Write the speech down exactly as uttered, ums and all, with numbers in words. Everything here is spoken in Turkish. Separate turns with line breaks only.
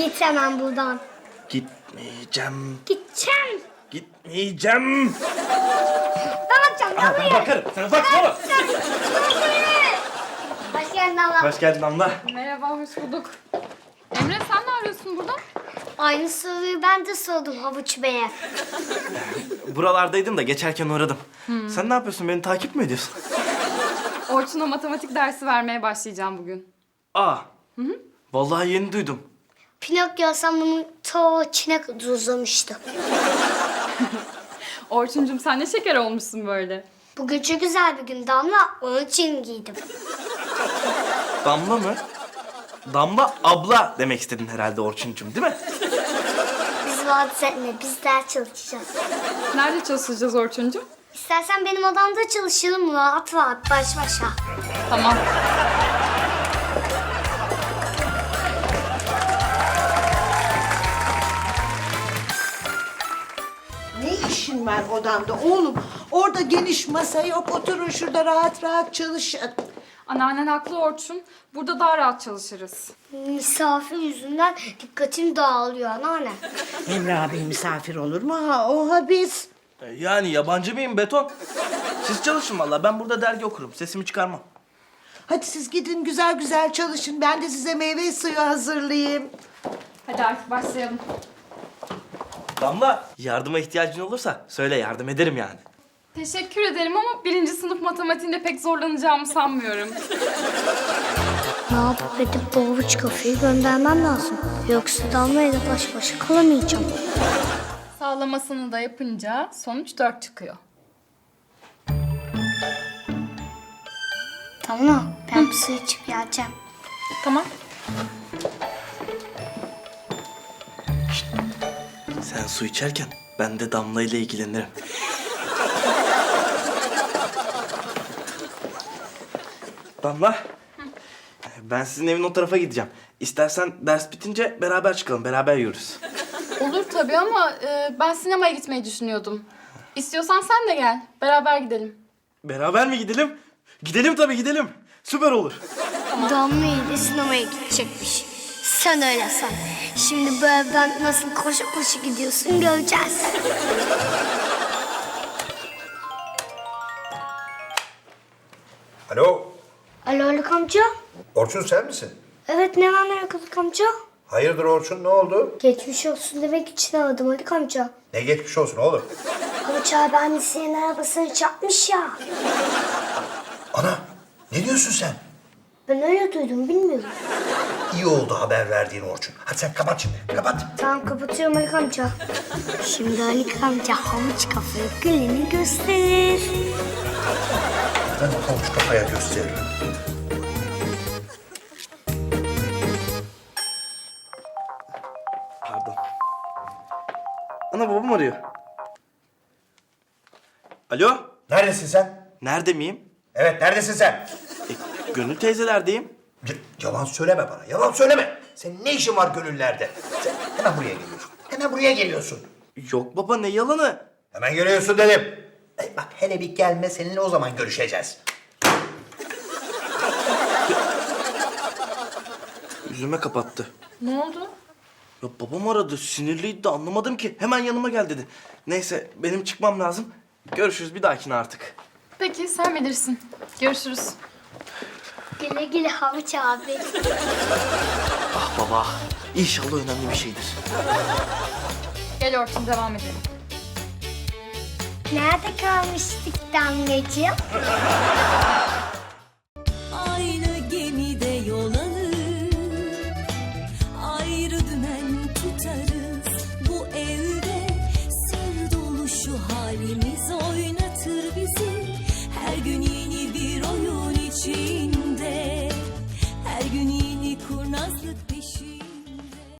Git hemen buradan.
Gitmeyeceğim.
Gideceğim.
Gitmeyeceğim.
Ben bakacağım.
Aa, ben bakarım. Sen bakma oğlum.
Hoş geldin abla.
Hoş geldin Damla.
Merhaba, hoş bulduk. Emre sen ne arıyorsun burada?
Aynı soruyu ben de sordum Havuç Bey'e.
Buralardaydım da geçerken uğradım. Sen ne yapıyorsun? Beni takip mi ediyorsun?
Orçun'a matematik dersi vermeye başlayacağım bugün.
Aa. Vallahi yeni duydum.
Pinokyo sen bunu ta Çin'e kadar uzamıştı.
Orçuncum sen ne şeker olmuşsun böyle.
Bugün çok güzel bir gün Damla. Onun için giydim.
Damla mı? Damla abla demek istedin herhalde Orçuncuğum, değil mi?
Biz vaat etme. Biz ders çalışacağız.
Nerede çalışacağız Orçuncum?
İstersen benim odamda çalışalım rahat rahat baş başa.
Tamam.
Ne işin var odamda oğlum? Orada geniş masa yok. Oturun şurada rahat rahat çalışın.
Anneannen haklı Orçun. Burada daha rahat çalışırız.
Misafir yüzünden dikkatim dağılıyor anneanne.
Emre abi misafir olur mu? Ha, oha biz.
E, Yani yabancı mıyım beton? Siz çalışın vallahi. Ben burada dergi okurum. Sesimi çıkarmam.
Hadi siz gidin güzel güzel çalışın. Ben de size meyve suyu hazırlayayım.
Hadi artık başlayalım.
Damla, yardıma ihtiyacın olursa söyle, yardım ederim yani.
Teşekkür ederim ama birinci sınıf matematiğinde pek zorlanacağımı sanmıyorum.
Ne yapıp edip bu havuç kafayı göndermem lazım. Yoksa Damla'yla baş başa kalamayacağım.
Sağlamasını da yapınca sonuç dört çıkıyor.
Damla ben bir su içip geleceğim.
Tamam.
Sen su içerken ben de Damla ile ilgilenirim. Damla, ben sizin evin o tarafa gideceğim. İstersen ders bitince beraber çıkalım, beraber yürürüz.
Olur tabii ama e, ben sinemaya gitmeyi düşünüyordum. İstiyorsan sen de gel. Beraber gidelim.
Beraber mi gidelim? Gidelim tabii, gidelim. Süper olur.
Damla ile sinemaya gidecekmiş. Sen öyle san. Şimdi bu evden nasıl koşu koşu gidiyorsun göreceğiz.
Alo,
Alo Haluk amca.
Orçun sen misin?
Evet ne var ne yok Haluk amca?
Hayırdır Orçun, ne oldu?
Geçmiş olsun demek için aradım Haluk amca.
Ne geçmiş olsun oğlum?
Havuç abi annesinin arabasını çarpmış ya.
Ana, ne diyorsun sen?
Ben öyle duydum bilmiyorum.
İyi oldu haber verdiğin Orçun. Hadi sen kapat şimdi, kapat.
Tamam kapatıyorum Haluk amca. Şimdi Haluk amca havuç kafayı gülünü gösterir.
Ben o havuç kafaya gösteririm.
Pardon. Ana, babam arıyor. Alo,
Neredesin sen?
nerede miyim?
Evet, neredesin sen?
E, Gönül teyzelerdeyim.
Y- yalan söyleme bana, yalan söyleme. Senin ne işin var gönüllerde? Sen hemen buraya geliyorsun, hemen buraya geliyorsun.
Yok baba, ne yalanı?
Hemen geliyorsun dedim. E, bak hele bir gelme, seninle o zaman görüşeceğiz.
Yüzüme kapattı.
Ne oldu?
Ya babam aradı, sinirliydi de anlamadım ki. Hemen yanıma gel dedi. Neyse, benim çıkmam lazım. Görüşürüz bir dahakine artık.
Peki sen bilirsin. Görüşürüz.
Güle güle havuç abi.
Ah baba, İnşallah önemli bir şeydir.
Gel Orçun devam edelim.
Nerede kalmıştık Damlacığım?
Aynı gemide yol alır, ayrı dümen tutarız. Bu evde sır dolu şu halimiz oynatır bizi. Her gün yeni bir oyun için